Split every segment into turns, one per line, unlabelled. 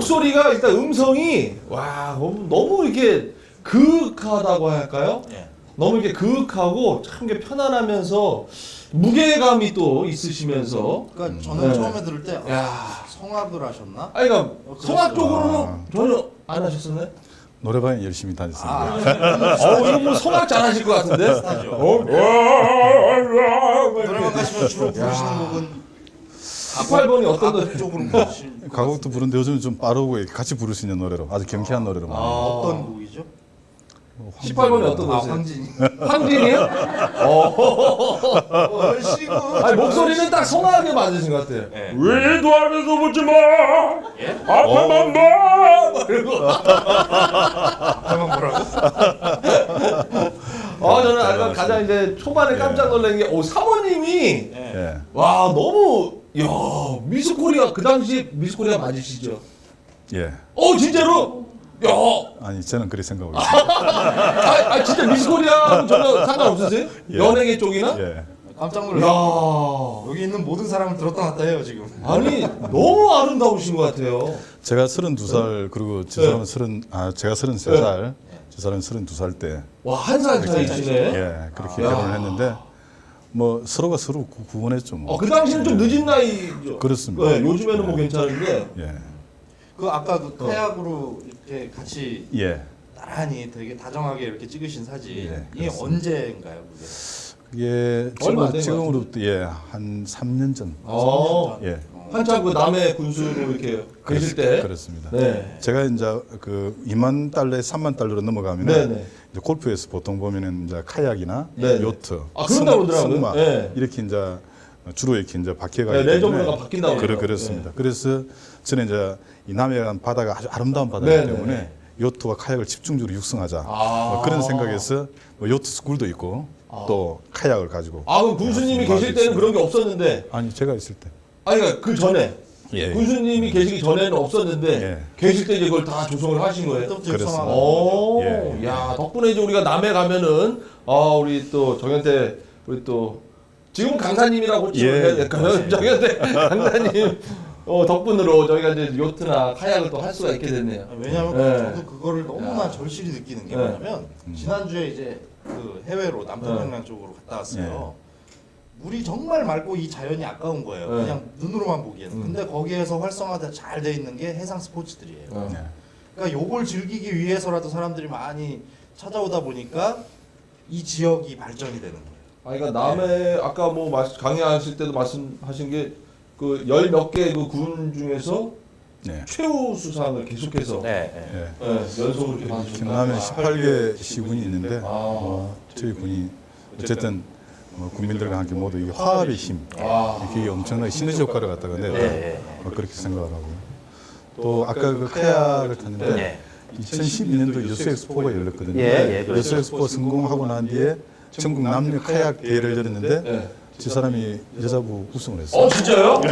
목소리가 일단 음성이 와 너무 이렇게 그윽하다고 할까요?
예.
너무 이렇게 그윽하고 참 이게 편안하면서 무게감이 또 있으시면서
그러니까 저는
네.
처음에 들을 때
야.
성악을 하셨나?
아니 그러니까
그랬어요.
성악 쪽으로는 전혀 안 하셨었나요?
노래방에 열심히 다녔습니다.
이거 뭐 성악 잘하실 것 같은데?
노래방 가시면 주로 부르시는 곡은
18번이 어떤 노래?
쪽으로 부르시는
가곡도 부르는데 요즘은 좀 빠르고 같이 부를 수 있는 노래로 아주 경쾌한 노래로 많이.
어떤 곡이죠?
18번이 어떤 거세요?
황진이.
황진이요?
얼씨구.
아니 목소리는 딱 성악에 맞으신 것 같아요.
예.
위도 안에서 보지 마.
예?
앞에만 봐. 그리고
앞에만 보라고?
저는 아까 가장 이제 초반에 깜짝 놀란 게 사모님이
예.
예.
와 너무 미스코리아 그 당시 미스코리아 맞으시죠?
예.
진짜로?
아니 저는 그렇게 생각하고 있습니다.
진짜 미스코리아 전혀 상관없으세요?
예.
연예계 쪽이나?
예.
깜짝
야.
놀랐어요. 여기 있는 모든 사람을 들었다 놨다 해요 지금.
아니 너무 아름다우신 것 같아요.
제가 32살 그리고 저 사람은 제가 33살, 저 사람은 32살 때
와 한 살 차이시네.
예, 그렇게 결혼을 했는데 뭐 서로가 서로 구분했죠. 뭐.
그 당시는 좀 늦은 나이죠.
그렇습니다.
네, 요즘에는 뭐 괜찮은데.
예.
그 아까 그 카약으로 이렇게 같이
예.
나란히 되게 다정하게 이렇게 찍으신 사진
예,
이게
그렇습니다.
언제인가요 그게?
그게
얼마 안된것
지금으로부터 한 3년 전.
예.
예.
한참 그 남해 군수로 이렇게 계실 때.
그렇습니다.
네.
제가 이제 그 2만 달러에 3만 달러로 넘어가면
네네.
이제 골프에서 보통 보면은 이제 카약이나
네네.
요트,
그런다고 그러더라고요.
승마
네.
이렇게 이제 주로 이렇게 이제 바뀌어가
네,
있기
레저문화가 바뀐다고
그렇습니다. 그래서 저는 이제 이 남해안 바다가 아주 아름다운 바다이기
네네.
때문에 요트와 카약을 집중적으로 육성하자 뭐
아.
그런 생각에서 뭐 요트 스쿨도 있고 또 카약을 가지고
그럼 군수님이 계실 때는 그런 게 없었는데.
아니 제가 있을 때
그러니까 그 전에.
예.
군수님이 계시기 전에는 없었는데
예.
계실 때 이제 그걸 다 조성을 하신 거예요.
그때부터
그렇습니다.
육성하고
예.
야 덕분에 이제 우리가 남해 가면은 우리 또 정현태 우리 또 지금 강사님이라고
예.
해야 될까요? 정현태 강사님 덕분으로 저희가 이제 요트나 카약을 또 할 수가 있게 됐네요.
왜냐면
네.
저도 그거를 너무나 절실히 느끼는 게
네.
뭐냐면 지난주에 이제 그 해외로 남태평양 쪽으로 갔다 왔어요. 물이 정말 맑고 이 자연이 아까운 거예요.
네.
그냥 눈으로만 보기에는. 근데 거기에서 활성화돼 잘 돼 있는 게 해상 스포츠들이에요.
네.
그러니까 요걸 즐기기 위해서라도 사람들이 많이 찾아오다 보니까 이 지역이 발전이 되는 거예요.
그러니까 남해 아까 뭐 강의하실 때도 말씀하신 게 그 열 몇 개 그 군 중에서
네.
최우 수상을 계속해서
네.
예.
연속으로 이렇게 받으셨다.
경남에 18개 시군이 있는데
아.
저희 군이 어쨌든 국민들과 함께 모두 이 화합의 힘, 이게 엄청나게 시너지 효과를 갖다가 냈다. 그렇게 생각을 하고요. 또 아까 그 카약을 탔는데 2012년도 여수 엑스포가 열렸거든요. 여수 엑스포 성공하고 난 뒤에 전국 남녀 카약 대회를 열었는데 저 사람이 여자부 우승을 했어요.
진짜요?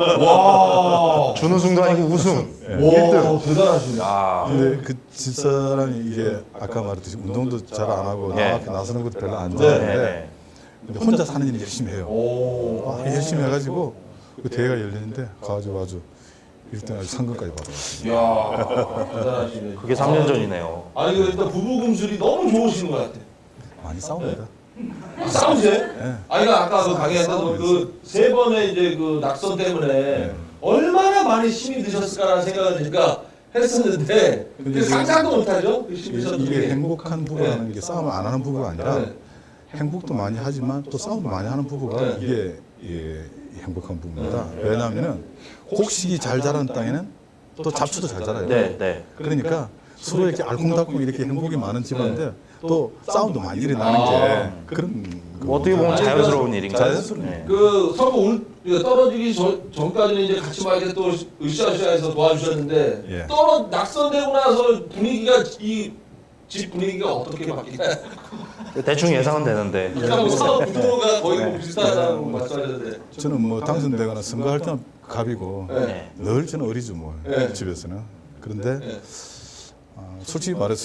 와.
준우승도 아니고 우승.
와, 대단하시네.
근데 그 집사람이 이게 아까 말했듯이 운동도 잘 안 하고 나밖에 나서는 것도 별로 안
네.
좋아하는데 근데 혼자 사는 일 열심히 해요.
오.
열심히 해가지고 그 대회가 열리는데 가가지고 아주 1등 상금까지 받아왔어요.
이야, 대단하시네.
그게 3년 전이네요.
아니, 일단 부부 금술이 너무 좋으신 것 같아.
많이 싸웁니다.
싸우세요? 아니, 아까 그 강의했던 그 세 번의 이제 그 낙선 때문에 얼마나 많이 힘이 드셨을까라는 생각을 제가 했었는데,
근데
상상도 못하죠? 그 힘이 드셨던
이게
게.
행복한 부부라는 게 싸움을 안 하는 부부가 아니라 행복도 많이 하지만 또 싸움도 많이 하는 부부가 이게 행복한 부부입니다. 왜냐하면 곡식이 잘 자라는 땅에는 또 잡초도 잘 자라요. 그러니까 서로 이렇게 알콩달콩 이렇게 행복이 많은 집안인데 또 싸움도 많이 일어나는 게 그런
어떻게 보면 자연스러운 일인가요?
자연스러운
그 서로 떨어지기 전까지는 이제 같이 막 이렇게 또 으쌰으쌰해서 도와주셨는데 낙선되고 나서 분위기가 이 집 분위기가 어떻게 바뀌나요?
대충 예상은 되는데.
아까 뭐 사업 구조가 거의 뭐 비슷하다고 말씀하셨는데.
저는 뭐 당선되거나 선거할 때는 갑이고
네.
늘 저는 어리죠 뭐
네.
집에서는. 그런데 솔직히 말해서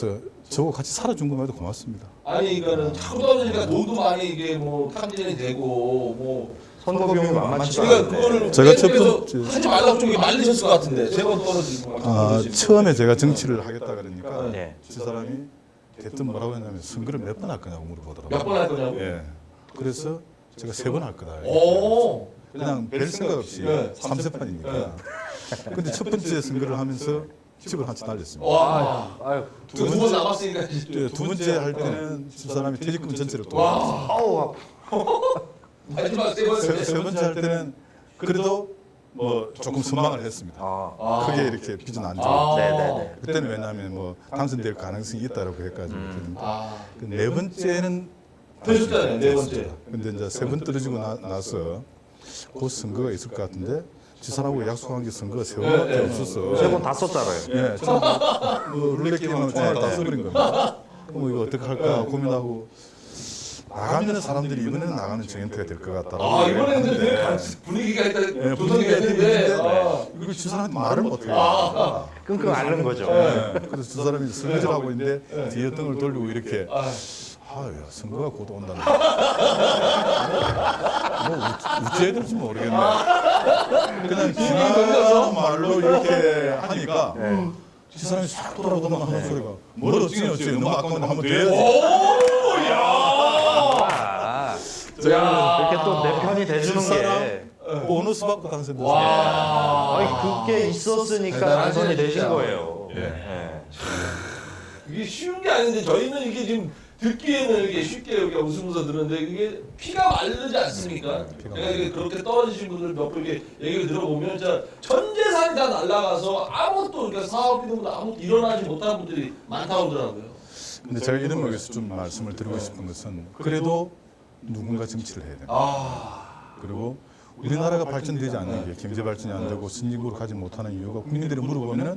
저거 같이 살아준 것만도 고맙습니다.
아니 그러니까는 자꾸 떨어지니까 돈도 많이 이게 뭐 탐진이 되고 뭐
선거 비용이 만만치가
그러니까
않은데.
그거를
제가 첫
계속해서
번째-
하지 말라고 좀 말리셨을 것 같은데 세 번 떨어지고 막 떨어지고.
처음에 제가 정치를 하겠다 그러니까
네.
저 사람이 대뜸 뭐라고 했냐면 선거를 몇 번 할 거냐고 물어보더라고요.
몇 번 할 거냐고?
예. 그래서 제가 3번 할 거다.
오.
그냥 별 생각 없이
네.
3세판이니까. 근데 첫 번째 선거를 하면서 집을 한채 날렸습니다.
와.
아유,
두 번 남았으니까 이제
두 번째 할 때는 집 사람이 퇴직금 전체를 또
와.
아우,
마지막 세 번째.
세 번째 할 때는 그래도 뭐 조금 선망을 했습니다.
아,
크게 이렇게 빚은 안
아.
지고.
네네네.
그때는 왜냐하면 뭐 당선될 가능성이 있다라고 해가지고
아.
그 네 번째는
터졌잖아요, 네 번째.
근데 이제 3번 떨어지고 나서 그 선거가 있을 것 같은데 지 사람하고 약속한 게 선거가 3번밖에
네, 네.
없었어.
3번 다 썼잖아요.
예, 뭐 룰렛 게임하고 총알 다 써버린 겁니다. 그럼 이거 어떻게 할까 고민하고 나가면 사람들이 이번에는 나가는 정현태가 될 것 같다.
아 이번에는 되게 분위기가 일단
예,
조성이
분위기가
됐는데
있는데
아.
이거 지 사람한테 말을 못해요.
끙끙 앓는 거죠.
예, 그래서 저 사람이 설거지하고 있는데 뒤에 등을 돌리고 이렇게
아.
아야 선거가 곧 온다는 뭐 어찌해야 될지 모르겠네. 그냥 지나가는 말로 이렇게 하니까 저 사람이 싹 돌아보더만 하는 소리가 뭘 어찌니 너무 아까운데 한번 더 해야지.
아, 그렇게 또 내 편이 돼주는 게.
보너스 받고 당선됐어요.
와.
아니, 그게 있었으니까
대단하시네,
당선이 되신
진짜.
거예요.
예.
예.
이게 쉬운 게 아닌데 저희는 이게 지금 듣기에는 이게 쉽게 우리가 웃으면서 들었는데 이게 피가 마르지 않습니까?
피가
내가 이게 그렇게 떨어지신 분들 몇 분 이렇게 얘기를 들어보면 진짜 전 재산이 다 날라가서 아무것도 그러니까 사업이든 아무것도 일어나지 못한 분들이 많다고 하더라고요.
근데 제가 이런 의미에서 좀 말씀을 드리고 싶은 것은 그래도 누군가 정치를 해야 됩니다.
아.
그리고 우리나라가 발전되지 않는 게 경제 발전이 안 되고 선진국으로 가지 못하는 이유가 국민들이 물어보면은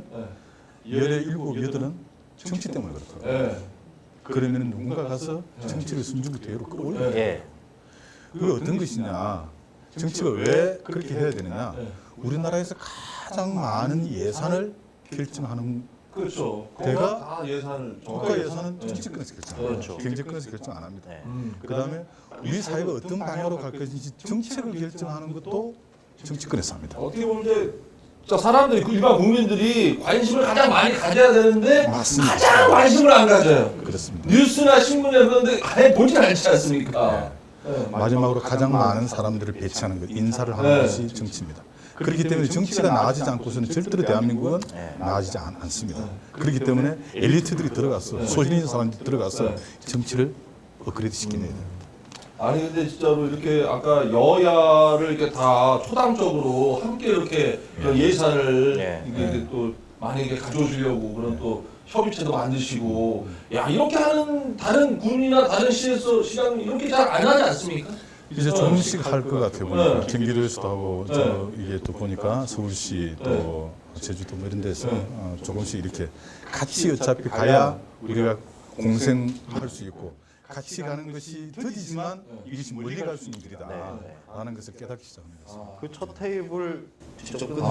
열의 일곱 여덟은 정치 때문에 그렇더라고요.
예.
그러면 누군가 가서 정치를 순주부 대우로 끌어올려야 돼요.
예.
그게 어떤 것이냐? 정치가 왜 그렇게 해야 되느냐? 우리나라에서 가장 많은 예산을 결정하는
그렇죠.
대가
다 예산을
국가 예산은 정치권에서 결정합니다.
그렇죠.
경제권에서 결정 안 합니다.
네.
그다음에 우리 사회가 어떤 방향으로 갈 것인지 정책을 결정하는 것도 정치권에서 합니다.
어떻게 보면 이제 진짜 사람들이 그 일반 국민들이 관심을 가장 많이 가져야 되는데
맞습니다.
가장 관심을 안 가져요.
그렇습니다.
뉴스나 신문에 그런데 아예 보지 않지 않습니까? 네.
마지막으로 가장 많은 사람들을 배치하는 것, 인사를 하는
네.
것이 정치입니다. 그렇기 때문에 정치가 나아지지 않고서는 절대로 대한민국은 나아지지 않습니다. 그렇기 때문에 엘리트들이 들어가서 소신 있는 사람들이 들어가서 정치를 업그레이드 시키는 돼요.
아니 근데 진짜로 이렇게 아까 여야를 이렇게 다 초당적으로 함께 이렇게 그런 예산을
예.
이게 또 많이 이렇게 가져오시려고 그런 또 협의체도 만드시고 야 이렇게 하는 다른 군이나 다른 시장 이렇게 잘 안 하지 않습니까?
이제 조금씩 할 것 같아요. 보니까
네.
경기도에서도 하고
네.
저 이게 또 보니까 서울시 또 제주도 뭐 이런 데서 조금씩 이렇게 같이 어차피 가야 우리가 공생할 수 있고 같이 가는 것이 더디지만 이것이 멀리 갈 수 있는 길이다라는 것을 깨닫기 시작합니다.
그 첫 테이블 직접 끊으신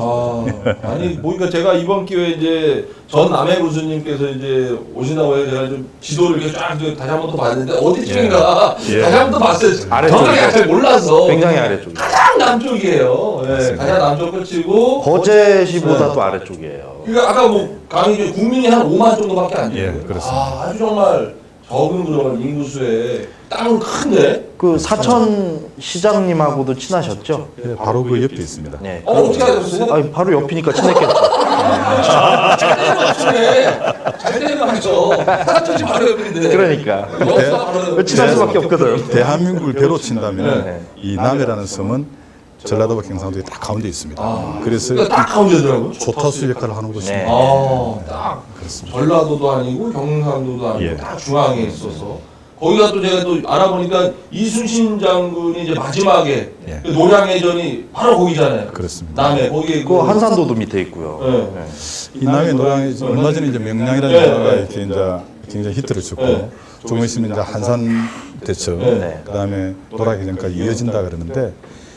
아니 보니까 제가 이번 기회에 이제 전 남해 교수님께서 이제 오신다고 해서 제가 좀 지도를 이렇게 쫙 다시 한번 또 봤는데 어디쯤인가
예.
다시 한번 또 봤어요.
아래쪽이죠.
정확하게 잘 몰라서
굉장히 아래쪽이에요.
가장 남쪽이에요. 예, 가장 남쪽 끝이고
거제시보다 또 아래쪽이에요.
그러니까 아까 뭐 강의 국민이 한 5만 정도밖에 안 돼요.
예, 그렇습니다.
아주 정말 적은 그런 인구수에 땅은 큰데.
그 사천 시장님하고도 친하셨죠?
예, 바로 그 옆에 있습니다.
네.
어떻게 하셨어요?
아니, 바로 옆이니까 친했겠죠.
잘 되는 거 맞추네. 잘 되는 거 맞죠. 사천지 바로 옆인데.
그러니까.
여기가 바로
친할 수밖에 없거든.
대한민국을 배로 친다면
네.
이 남해라는 섬은 전라도와 경상도의 딱 가운데 있습니다. 그래서
그러니까 딱 가운데더라고요.
조타수 역할을 하는 것입니다.
네.
딱
그렇습니다.
전라도도 아니고 경상도도 아니고
예.
딱 중앙에 있어서 거기가 또 제가 또 알아보니까 이순신 장군이 이제 마지막에
예.
그 노량해전이 바로 거기잖아요.
그렇습니다.
남해 거기에
그 한산도도 밑에 있고요.
예.
네.
이 남해 노량이 얼마 전에 이제 명량이라는
네.
영화가 이렇게 이제 굉장히 히트를 쳤고
네.
조금 있으면 이제 한산 대첩
네.
그다음에 노량해전까지 이어진다 그러는데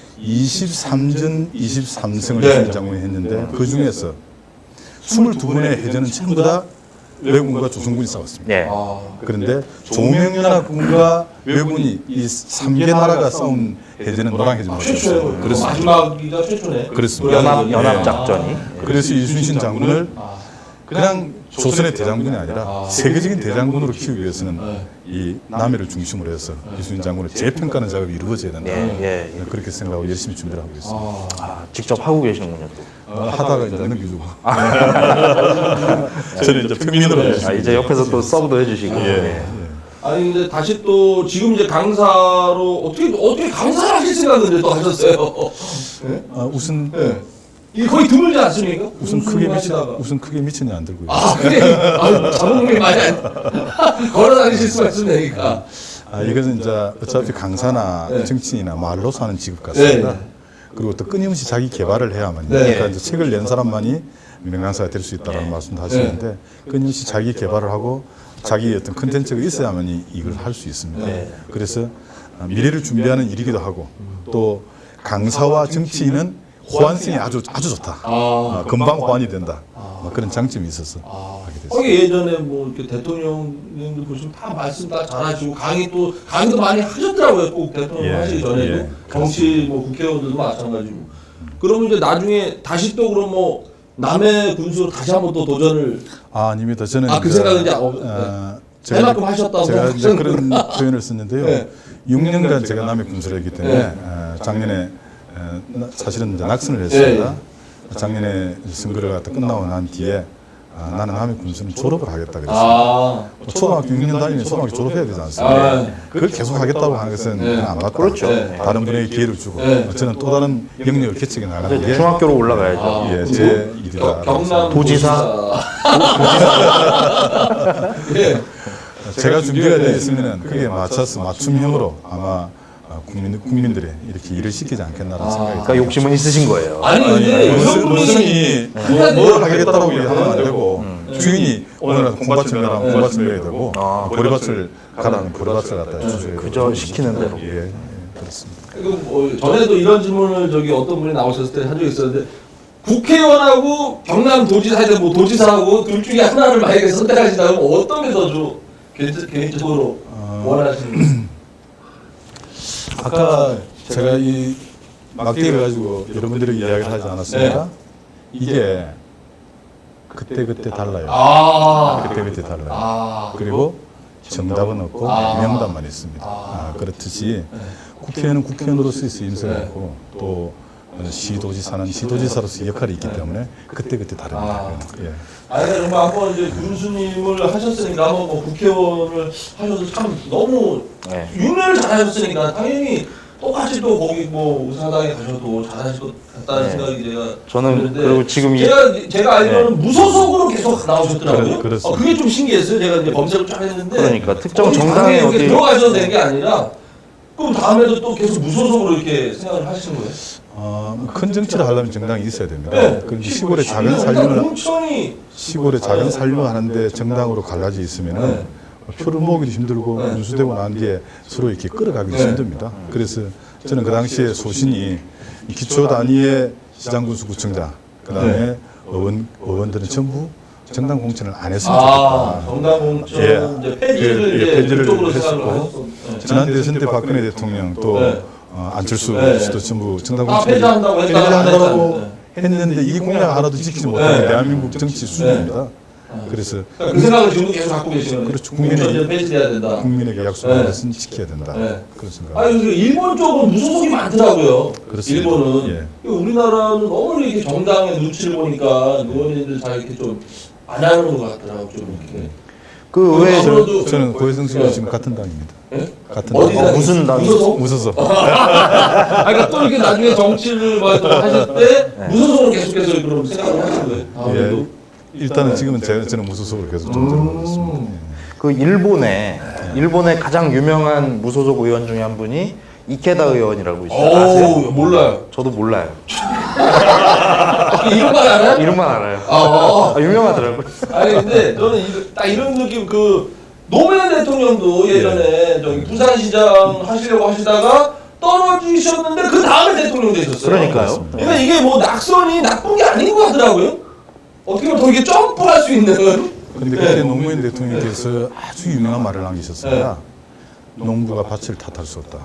23전 23승을
네.
이순신 장군이 했는데 그 중에서 22번의 해전은 전부 다 외군과 조선군이 싸웠습니다.
예.
그런데 조명연합군과 외군이 이 3개 나라가 싸운 해제는 노량해제입니다.
최초예요.
그렇습니다.
마지막이가 최초네.
그렇습니다.
연합
예.
작전이.
그래서 이순신 장군을 그냥 조선의 대장군이 아니라 세계적인 대장군으로 키우기 위해서는 이 남해를 중심으로 해서 이순신 장군을 재평가하는 작업이 이루어져야 된다.
예.
그렇게 생각하고 열심히 준비를 하고 있습니다.
직접 하고 계시는군요. 또.
하다가 이제 넘겨주고. 저는 이제 평민으로 열심히.
이제 옆에서 또 서브도 해주시고. 예.
아니 근데 다시 또 지금 이제 강사로 어떻게 강사를 하실 생각을 또 하셨어요?
우선
이게 거의 드물지 않습니까?
우선 크게 미천이 안 들고요.
그래. 자본금이 많이 걸어 다니실 수가 있으니까.
이것은 이제 어차피 강사나 정치인이나 말로서 하는 직업 같습니다.
네.
그리고 또 끊임없이 자기 개발을 해야만요. 그러니까 이제 책을 낸 사람만이 명강사가 될 수 있다는 말씀도 하시는데 끊임없이 자기 개발을 하고 자기 어떤 컨텐츠가 있어야만이 이걸 할 수 있습니다. 그래서 미래를 준비하는 일이기도 하고 또 강사와 정치인은 호환성이 아주 좋다. 금방 호환이 된다. 그런 장점이 있어서 하게 됐습니다.
거기 예전에 뭐 이렇게 대통령님들 보시면 다 말씀 다 잘하시고 강의도 많이 하셨더라고요. 꼭 대통령 하시기 전에도 정치 뭐 국회의원들도 마찬가지고. 그러면 이제 나중에 다시 또 그럼 뭐 남해 군수로 다시 한번 또 도전을
아닙니다. 저는
그 생각은 이제 해만큼 하셨다고
제가 이제 그런 표현을 썼는데요. 6년간 제가 남해 군수를 했기 때문에 작년에 사실은 이제 낙선을 했습니다. 작년에 선거를 갖다 끝나고 난 뒤에 나는 남해 군수는 졸업을 하겠다 그랬습니다. 초등학교 6년 다니면 초등학교 졸업해야 되지 않습니까? 그걸 계속 하겠다고 하는 것은 안 맞다.
그렇죠.
다른 분에게 기회를 주고 저는 또 다른 영역을 개척해 나가는 게
중학교로 올라가야죠.
제 일이다.
경남
도지사.
제가 준비가 되어 있으면 그게 맞춰서 맞춤형으로 아마 국민들이 이렇게 일을 시키지 않겠나라는 생각이
그러니까 욕심은 있으신 거예요.
아니 근데
무슨이 뭘 하겠다라고 얘기하면 안 되고 주인이 오늘 콩밭을 가라면 콩밭을 내야 되고 보리밭을 가라면 보리밭을 갖다 해주셔야
그저 시키는 대로.
그렇습니다.
뭐 전에도 이런 질문을 어떤 분이 나오셨을 때 한 적이 있었는데 국회의원하고 경남도지사에 뭐 도지사하고 둘 중에 하나를 만약에 선택하신다면 어떤 게 더 개인적으로 원하시는
아까 제가 이 막대기를 가지고 여러분들에게 이야기를 하지 않았습니까? 이게 그때 달라요. 그때 달라요. 그리고 정답은 없고 명답만 있습니다. 그렇듯이 국회의원은 국회의원으로서 인생을 했고 또 시도지사는 시도지사로서 역할이 있기 때문에 그때 다릅니다.
아니 정말 한번 이제 군수님을 하셨으니까 한번 뭐 국회의원을 하셔서 참 너무 6년을 잘하셨으니까 당연히 똑같이 또 거기 뭐 의사당에 가셔도 잘하실 것 같다는 생각이
저는
드는데
그리고 지금
제가 알기로는 무소속으로 계속 나오셨더라고요.
그렇습니다.
그게 좀 신기했어요. 제가 이제 검색을 쫙 했는데
그러니까 특정 정당에
어디
어디
들어가셔도 되는 게 아니라 그럼 다음에도 또 계속 무소속으로 이렇게 생각을 하시는 거예요?
큰 정치를 하려면 정당이 있어야 됩니다. 그런데 시골의 작은 살림을 하는데 정당으로 갈라져 있으면은 표를 모으기도 힘들고 군수되고 난 뒤에 서로 이렇게 끌어가기도 힘듭니다. 그래서 저는 그 당시에 소신이 기초 단위의 시장군수구청장, 그다음에 의원들은 전부 정당 공천을 안 했으면 좋겠다.
정당 공천 이제 폐지를 그쪽으로
했었고 지난 대선 때 박근혜 대통령 또 안철수 씨도 전부 정당 공천
폐지한다고
했는데 이 공약 하나도 지키지 못하는 대한민국 정치 수준입니다. 그래서
그 생각을 지금 계속 갖고 계시는 거예요.
그렇죠.
폐지돼야 된다.
국민에게 약속한 것은 지켜야 된다. 그런 생각.
아니 일본 쪽은 무소속이 많더라고요.
그렇습니다.
일본은 우리나라는 너무 이렇게 정당의 눈치를 보니까 의원님들 다 이렇게 좀 안 하는 것 같더라고 좀 이렇게.
그 외에
저는 고혜성 씨가 지금 같은 당입니다. 같은 당.
어디
무슨 당?
무소속.
그러니까 또 이렇게 나중에 정치를 하실 때 무소속으로 계속해서 그런 생각을 하시는 거예요.
일단은 지금은 저는 무소속으로 계속 정치하고 있습니다.
그 일본의 가장 유명한 무소속 의원 중에 한 분이 이케다 의원이라고 있어요. 아세요?
몰라요.
저도 몰라요.
이름만 알아요?
이름만 알아요. 유명하더라고요.
아니 근데 저는 딱 이런 느낌 노무현 대통령도 예전에 저기 부산시장 하시려고 하시다가 떨어지셨는데 그 다음에 대통령 되셨어요.
그러니까요.
그러니까 이게 뭐 낙선이 나쁜 게 아닌 것 같더라고요. 어떻게 보면 더 이게 점프할 수 있는
근데 그때 노무현 대통령께서 아주 유명한 말을 남기셨습니다. 농부가 밭을 탓할 수 없다.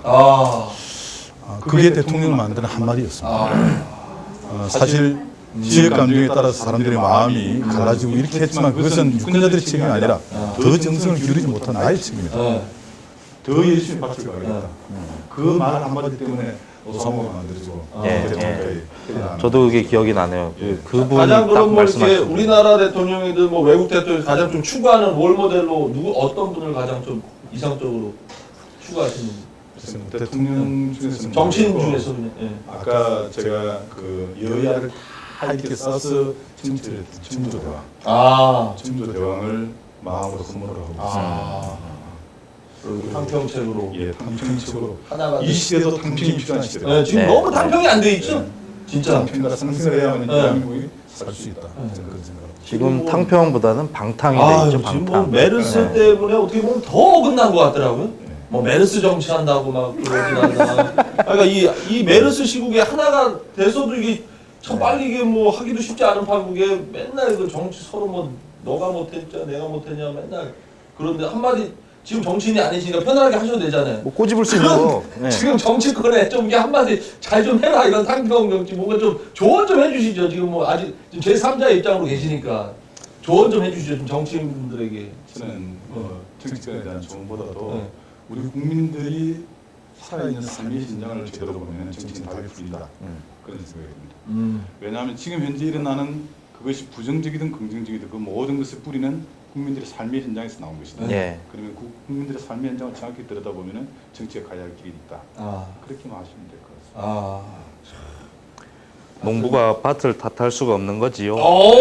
그게 대통령을 만드는 한마디였습니다. 사실 지역 감정에 따라서 사람들의 마음이 갈라지고 이렇게 했지만 그것은 유권자들의 책임이 아니라 더 정성을 기울이지 못한 나의 책임이다. 더 열심히 밭을 가겠다. 그 말 한마디 때문에 오사모가 만들어지고 대통령까지.
저도 그게 기억이 나네요. 그분이
가장
딱
그럼 뭐 이렇게
말씀하신
우리나라 대통령이든 뭐 외국 대통령이 가장 좀 추구하는 롤 모델로 어떤 분을 가장 좀 이상적으로 추구하시는 분?
대통령 중에서
정치인 중에서 그냥.
아까 제가 그 여야를 다 이렇게 써서 정치를 했던 청조대왕, 청조대왕을 마음으로 선물을 하고 있습니다.
탕평책으로.
예, 탕평책으로.
하나가
이 시대도 탕평이 필요한 시대다.
네, 지금 너무 탕평이 안 돼 있죠. 진짜.
탕평가 상승해야만 대한민국이 살 수 있다. 저는 그런 생각을.
지금 탕평보다는 방탕이 돼 있죠.
지금 뭐
방탕.
메르스 때문에 어떻게 보면 더 어긋난 것 같더라고요. 뭐 메르스 정치한다고 막 그러진 않나. 그러니까 이 메르스 시국에 하나가 돼서도 이게 참 빨리 이게 뭐 하기도 쉽지 않은 판국에 맨날 그 정치 서로 뭐 너가 못했냐 내가 못했냐 맨날 그런데 한마디 지금 정치인이 아니시니까 편안하게 하셔도 되잖아요.
뭐 꼬집을 수 있는 거. 네.
지금 정치권에 좀 이게 한마디 잘 좀 해라 이런 탕평 정치 뭔가 좀 조언 좀 해주시죠. 지금 뭐 아직 제 3자의 입장으로 계시니까 조언 좀 해주시죠. 좀 정치인분들에게.
저는 정치권에 대한 조언보다도 우리 국민들이 살아있는 삶의 신장을 제대로 보면 정치는 답이 풀린다. 그런 생각이 듭니다. 왜냐하면 지금 현재 일어나는 그것이 부정적이든 긍정적이든 그 모든 것의 뿌리는 국민들의 삶의 현장에서 나온 것이다. 그러면 그 국민들의 삶의 현장을 정확히 들여다보면 정치가 가야 할 길이 있다. 그렇게만 하시면 될 것 같습니다.
농부가 밭을 탓할 수가 없는 거지요.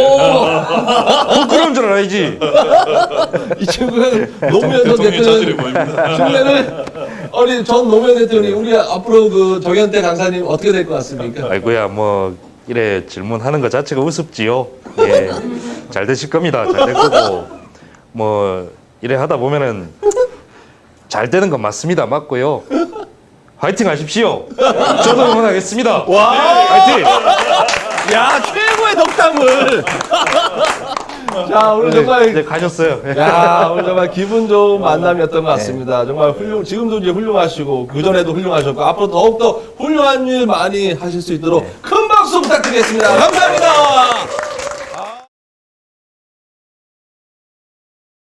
그런
줄 알아야지.
이 친구는 노무현 전 대통령 신뢰를 우리 전 노무현 대통령이 우리 앞으로 그 정현태 강사님 어떻게 될 것 같습니까?
아이고야 뭐 이래 질문하는 것 자체가 우습지요. 예, 잘 되실 겁니다. 잘 될 거고 뭐 이래 하다 보면은 잘 되는 건 맞습니다. 맞고요. 화이팅 하십시오. 저도 응원하겠습니다.
와,
화이팅.
야 최고의 덕담을. 자 오늘 정말
이제 가셨어요.
야 오늘 정말 기분 좋은 만남이었던 것 같습니다. 정말 지금도 이제 훌륭하시고 그 전에도 훌륭하셨고 앞으로 더욱더 훌륭한 일 많이 하실 수 있도록 큰 박수 부탁드리겠습니다. 감사합니다.